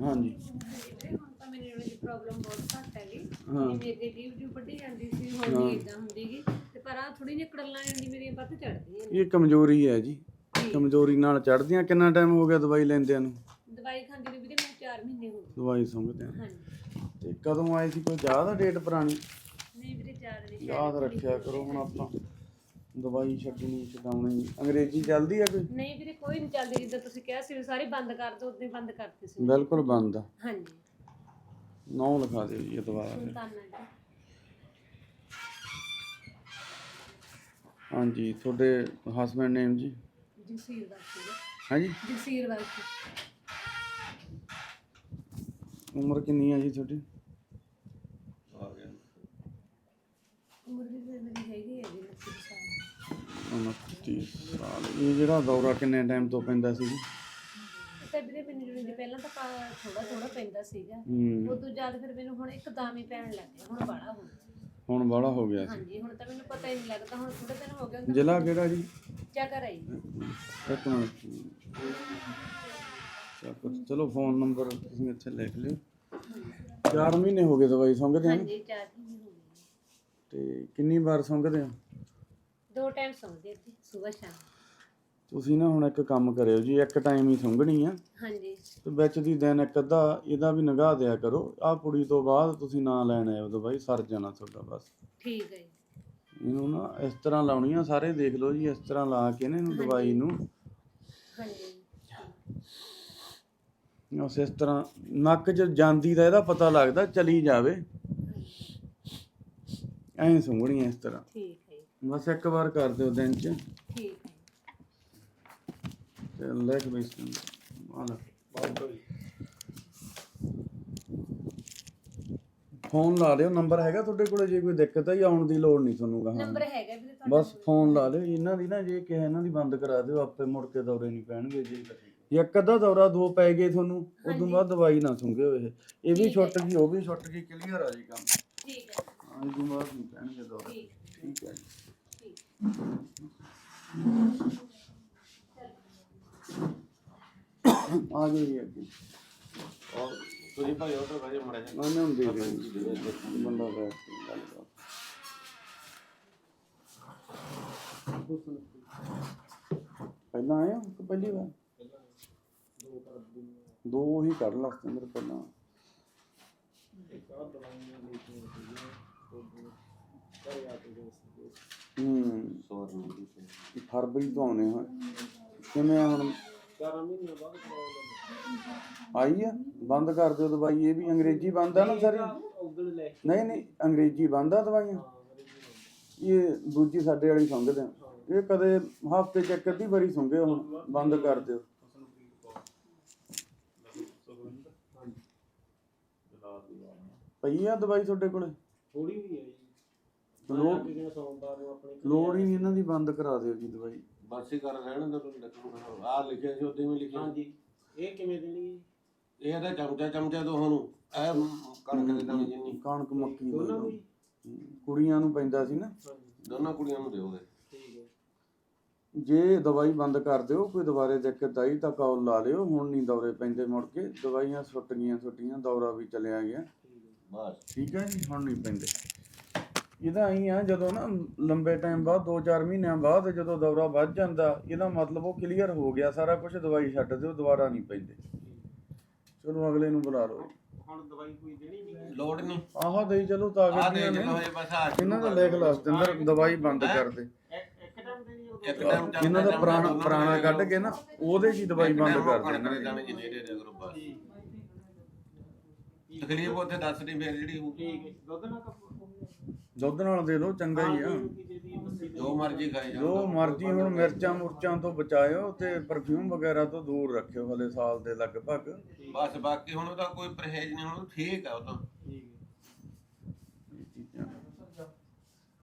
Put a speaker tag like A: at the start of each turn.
A: ਹਾਂਜੀ
B: ਹੁਣ ਤਾਂ ਮੈਨੂੰ ਇਹ ਪ੍ਰੋਬਲਮ ਬਹੁਤ ਘੱਟ ਹੈਗੀ।
A: ਹਾਂ
B: ਜਿਵੇਂ ਅੱਗੇ ਲੀਵ ਵੱਢੀ ਜਾਂਦੀ ਸੀ, ਹੁਣ ਨਹੀਂ ਇਦਾਂ ਹੁੰਦੀਗੀ। ਤੇ ਪਰ ਆ ਥੋੜੀ ਜਿਹੀ ਕੜਲਾਂ ਜਾਂਦੀ ਮੇਰੀਆਂ ਵੱਧ ਚੜਦੀਆਂ ਨੇ।
A: ਇਹ ਕਮਜ਼ੋਰੀ ਹੈ ਜੀ, ਕਮਜ਼ੋਰੀ ਨਾਲ ਚੜ੍ਹਦੀਆਂ। ਕਿੰਨਾ ਟਾਈਮ ਹੋ ਗਿਆ ਦਵਾਈ ਲੈਂਦਿਆਂ ਨੂੰ?
B: ਦਵਾਈ ਖਾਂਦੀ ਨੂੰ ਵੀਰੇ ਮੈਨੂੰ 4 ਮਹੀਨੇ ਹੋ ਗਏ।
A: ਦਵਾਈ ਸੁੰਘਦਿਆਂ।
B: ਹਾਂਜੀ।
A: ਤੇ ਕਦੋਂ ਆਏ ਸੀ? ਕੋਈ ਯਾਦ ਆ ਡੇਟ ਪੁਰਾਣੀ?
B: ਨਹੀਂ ਵੀਰੇ ਯਾਦ ਨਹੀਂ।
A: ਯਾਦ ਰੱਖਿਆ ਕਰੋ ਹੁਣ ਆਪਾਂ ਦਵਾਈ ਛੱਡਣੀ ਛਡਾਉਣੀ। ਅੰਗਰੇਜ਼ੀ ਚੱਲਦੀ ਆ ਕੋਈ?
B: ਨਹੀਂ ਵੀਰੇ ਕੋਈ ਨਹੀਂ ਚੱਲਦੀ। ਜਿੱਦਾਂ ਤੁਸੀਂ ਕਿਹਾ ਸੀ ਸਾਰੀ ਬੰਦ ਕਰ ਦੋ, ਉਦੋਂ ਬੰਦ ਕਰਤੀ ਸੀ।
A: ਬਿਲਕੁਲ ਬੰਦ ਆ।
B: ਹਾਂਜੀ।
A: ਨਾਂ ਲਿਖਾ ਦਿਓ ਜੀ ਦੁਬਾਰਾ।
B: ਸੁਲਤਾਨਾ ਜੀ।
A: ਹਾਂਜੀ ਤੁਹਾਡੇ ਹਸਬੈਂਡ ਨੇਮ ਜੀ?
B: ਜਗਸੀਰ ਵਾਸੀ।
A: ਹਾਂਜੀ
B: ਜਗਸੀਰ ਵਾਸੀ।
A: ਉਮਰ ਕਿੰਨੀ ਹੈ ਜੀ ਤੁਹਾਡੀ?
B: ਉਮਰ ਵੀ ਮੇਰੀ ਹੈਗੀ ਹੈ ਜੀ 29 ਸਾਲ।
A: 29 ਸਾਲ। ਇਹ ਜਿਹੜਾ ਦੌਰਾ ਕਿੰਨੇ ਟਾਈਮ ਤੋਂ ਪੈਂਦਾ ਸੀ?
B: ਤਾਂ ਵੀਰੇ ਮੈਨੂੰ ਜਿਹੜੀ ਪਹਿਲਾਂ ਤਾਂ ਥੋੜਾ ਪੈਂਦਾ ਸੀਗਾ। ਉਦੋਂ ਜ਼ਿਆਦਾ ਫਿਰ ਮੈਨੂੰ ਹੁਣ ਇੱਕਦਮ ਹੀ ਪੈਣ ਲੱਗ ਗਿਆ। ਹੁਣ ਬਾਹਲਾ ਹੋ ਗਿਆ।
A: ਹੁਣ ਬਾਹਲਾ ਹੋ ਗਿਆ ਸੀ?
B: ਹਾਂਜੀ ਹੁਣ ਤਾਂ ਮੈਨੂੰ ਪਤਾ ਹੀ ਨਹੀਂ ਲੱਗਦਾ। ਹੁਣ ਥੋੜੇ ਦਿਨ ਹੋ ਗਏ।
A: ਜ਼ਿਲ੍ਹਾ ਕਿਹੜਾ ਜੀ?
B: ਚੱਕਰ ਆਈ।
A: ਇੱਕ ਮਿੰਟ। ਚਲੋ ਫੋਨ ਨੰਬਰ ਤੁਸੀਂ ਇੱਥੇ ਲਿਖ ਲਿਓ। 4 ਮਹੀਨੇ ਹੋ ਗਏ ਦਵਾਈ ਸੁੰਘਦੇ ਆ?
B: ਹਾਂਜੀ 4 ਮਹੀਨੇ ਹੋ ਗਏ।
A: ਤੇ ਕਿੰਨੀ ਵਾਰ ਸੁੰਘਦੇ ਆ?
B: 2 ਟਾਈਮ ਸੁੰਘਦੇ ਸੀ, ਸਵੇਰ ਸ਼ਾਮ।
A: ਤੁਸੀਂ ਨਾ ਹੁਣ ਇੱਕ ਕੰਮ ਕਰਿਓ ਜੀ, ਇੱਕ ਟਾਈਮ ਹੀ ਸੁੰਘਣੀ ਆ।
B: ਹਾਂਜੀ।
A: ਤੇ ਵਿੱਚ ਦੀ ਦਿਨ ਇੱਕ ਅੱਧਾ ਇਹਦਾ ਵੀ ਨਿਗਾਹ ਦਿਆ ਕਰੋ। ਆਹ ਪੁੜੀ ਤੋਂ ਬਾਅਦ ਤੁਸੀਂ ਨਾ ਲੈਣ ਆਇਓ ਦਵਾਈ, ਸਰ ਜਾਣਾ ਤੁਹਾਡਾ ਬਸ। ਠੀਕ ਹੈ ਜੀ। ਇਹਨੂੰ ਨਾ ਇਸ ਤਰ੍ਹਾਂ ਲਾਉਣੀ ਆ, ਸਾਰੇ ਦੇਖ ਲਓ ਜੀ। ਇਸ ਤਰ੍ਹਾਂ ਲਾ ਕੇ ਨਾ ਇਹਨੂੰ ਦਵਾਈ ਨੂੰ। ਹਾਂਜੀ। ਉਸ ਇਸ ਤਰ੍ਹਾਂ ਨੱਕ 'ਚ ਜਾਂਦੀ ਦਾ ਇਹਦਾ ਪਤਾ ਲੱਗਦਾ, ਚਲੀ ਜਾਵੇ ਐਂ ਸੁੰਘਣੀ ਇਸ ਤਰ੍ਹਾਂ। ਠੀਕ ਹੈ। ਬਸ ਇੱਕ ਵਾਰ ਕਰ ਦਿਓ ਦਿਨ 'ਚ। ਠੀਕ ਹੈ। ਤੇ ਲਿਖ ਬਈ ਫੋਨ ਲਾ ਲਿਓ। ਨੰਬਰ ਹੈਗਾ ਤੁਹਾਡੇ ਕੋਲ? ਜੇ ਕੋਈ ਦਿੱਕਤ ਹੈ ਆਉਣ ਦੀ ਲੋੜ ਨਹੀਂ ਤੁਹਾਨੂੰ। ਨੰਬਰ ਹੈਗਾ ਵੀਰੇ ਤੁਹਾਡਾ? ਬਸ ਫੋਨ ਲਾ ਲਿਓ। ਇਹਨਾਂ ਦੀ ਨਾ ਜੇ ਕਿਸੇ ਇਹਨਾਂ ਦੀ ਬੰਦ ਕਰਾ ਦਿਓ, ਆਪੇ ਮੁੜ ਕੇ ਦੌਰੇ ਨਹੀਂ ਪੈਣਗੇ ਜੀ। ਜੇ ਇੱਕ ਅੱਧਾ ਦੌਰਾ 2 ਪੈ ਗਏ ਤੁਹਾਨੂੰ, ਉਦੋਂ ਬਾਅਦ ਦਵਾਈ ਨਾ ਸੁੰਘਿਓ। ਇਹ ਵੀ ਛੁੱਟ ਗਈ, ਉਹ ਵੀ ਛੁੱਟ ਗਈ, ਕਲੀਅਰ ਆ ਜੀ ਕੰਮ। ਠੀਕ ਹੈ। ਹਾਂ ਉਦੋਂ ਬਾਅਦ ਨਹੀਂ ਪੈਣਗੇ ਦੌਰੇ। ਠੀਕ ਹੈ ਜੀ। ਆ ਜਾਓ ਜੀ ਅੱਗੇ।
C: ਤੁਸੀਂ ਭਾਈ ਆਰਡਰ ਕਰਿਓ ਮੜਾ ਜਾ।
A: ਮੈਂ ਨਹੀਂ ਦੇ ਰਿਹਾ ਬੰਦਾ ਬੈਠ ਕੇ ਗੱਲ ਕਰ। ਪਹਿਲਾਂ ਆਏ ਹੋ ਕਿ ਪਹਿਲੀ ਵਾਰ? 2 ਹੀ ਕੱਢ ਲਾ ਸਤਿੰਦਰ ਪਹਿਲਾਂ। ਫਰਵਰੀ ਤੋਂ ਆਉਣੇ ਹਾਂ। ਕਿਵੇਂ ਹੁਣ
C: 4 ਮਹੀਨੇ ਬਾਅਦ
A: ਆਈ ਆ? ਬੰਦ ਕਰ ਦਿਓ ਦਵਾਈ। ਇਹ ਵੀ ਅੰਗਰੇਜ਼ੀ ਬੰਦ ਆ ਨਾ ਸਾਰੀ? ਨਹੀਂ ਅੰਗਰੇਜ਼ੀ ਬੰਦ ਆ ਦਵਾਈਆਂ। ਇਹ ਦੂਜੀ ਸਾਡੇ ਵਾਲੀ ਸੁੰਘਦੇ ਆ। ਇਹ ਕਦੇ ਹਫ਼ਤੇ 'ਚ ਇੱਕ ਅੱਧੀ ਵਾਰੀ ਸੁੰਘੇ। ਹੁਣ ਬੰਦ ਕਰ ਦਿਓ। ਪਈ ਆ ਦਵਾਈ ਤੁਹਾਡੇ ਕੋਲੇ?
C: ਥੋੜੀ ਵੀ ਹੈ ਜੀ।
A: ਲੋੜ ਹੀ ਨਹੀਂ ਇਹਨਾਂ ਦੀ, ਬੰਦ ਕਰਾ ਦਿਓ ਜੀ ਦਵਾਈ।
C: ਬਸ ਹੀ ਕਰ ਰਹਿਣ ਦਾ ਤੁਹਾਨੂੰ ਆ ਲਿਖਿਆ ਸੀ ਉਦੋਂ ਵੀ ਲਿਖਿਆ। ਹਾਂਜੀ। ਇਹ ਕਿਵੇਂ ਦੇਣੀ ਹੈ? ਇਹ ਤਾਂ ਚਮਚਾ ਦੋਹਾਂ ਨੂੰ। ਇਹ ਕਣਕ ਦੇ ਦਾਣੇ ਜਿੰਨੀ।
A: ਕਣਕ ਮੱਕੀ ਦੀ ਕੁੜੀਆਂ ਨੂੰ ਪੈਂਦਾ ਸੀ ਨਾ?
C: ਦੋਨਾਂ ਕੁੜੀਆਂ ਨੂੰ ਦਿਓਗੇ। ਠੀਕ ਹੈ।
A: ਜੇ ਦਵਾਈ ਬੰਦ ਕਰ ਦਿਓ, ਕੋਈ ਦੁਬਾਰੇ ਦਿੱਕਤ ਆਈ ਤਾਂ ਕਾਲ ਲਾ ਲਿਓ। ਹੁਣ ਨਹੀਂ ਦੌਰੇ ਪੈਂਦੇ ਮੁੜ ਕੇ। ਦਵਾਈਆਂ ਛੁੱਟ ਗਈਆਂ ਤੁਹਾਡੀਆਂ, ਦੌਰਾ ਵੀ ਚਲਿਆ ਗਿਆ। ਬਸ ਠੀਕ ਹੈ ਜੀ। ਹੁਣ ਨਹੀਂ ਪੈਂਦੇ। ਇਹਦਾ ਆਈ ਆ ਜਦੋਂ ਨਾ ਲੰਬੇ ਟਾਈਮ ਬਾਅਦ 2-4 ਮਹੀਨਿਆਂ ਬਾਅਦ ਜਦੋਂ ਦੌਰਾ ਵੱਧ ਜਾਂਦਾ, ਇਹਦਾ ਮਤਲਬ ਉਹ ਕਲੀਅਰ ਹੋ ਗਿਆ ਸਾਰਾ ਕੁਝ। ਦਵਾਈ ਛੱਡ ਦਿਓ, ਦੁਬਾਰਾ ਨਹੀਂ ਪੈਂਦੇ। ਚਲੋ ਅਗਲੇ ਨੂੰ ਬੁਲਾ ਲਓ।
C: ਹੁਣ ਦਵਾਈ ਕੋਈ ਦੇਣੀ ਨਹੀਂ? ਲੋੜ ਨਹੀਂ।
A: ਆਹ ਦੇਈ ਚਲੋ ਤਾਕਤ ਦੀਆਂ ਨੇ ਇਹਨਾਂ ਦਾ। ਲਿਖ ਲਾ ਸਤਿੰਦਰ, ਦਵਾਈ ਬੰਦ ਕਰ ਦੇ। ਇਹਨਾਂ ਦਾ ਪੁਰਾਣਾ ਕੱਢ ਕੇ ਨਾ ਉਹਦੇ 'ਚ ਦਵਾਈ ਬੰਦ ਕਰ ਦੇ।
C: ਤਕਲੀਫ ਉੱਥੇ ਦੱਸ ਨਹੀਂ ਫਿਰ ਜਿਹੜੀ ਹੋਊਗੀ।
A: ਦੁੱਧ ਨਾਲ ਦੇ ਦਿਓ, ਚੰਗਾ ਹੀ ਆ।
C: ਜੋ ਮਰਜ਼ੀ ਖਾਈ ਜਾਓ,
A: ਜੋ ਮਰਜ਼ੀ। ਹੁਣ ਮਿਰਚਾਂ ਮੁਰਚਾਂ ਤੋਂ ਬਚਾਇਓ ਤੇ ਪਰਫਿਊਮ ਵਗੈਰਾ ਤੋਂ ਦੂਰ ਰੱਖਿਓ ਹਲੇ ਸਾਲ ਦੇ ਲਗਭਗ।
C: ਬਸ ਬਾਕੀ ਹੁਣ ਉਹਦਾ ਕੋਈ ਪਰਹੇਜ਼ ਨਹੀਂ। ਹੁਣ ਠੀਕ ਆ ਉਹ ਤਾਂ।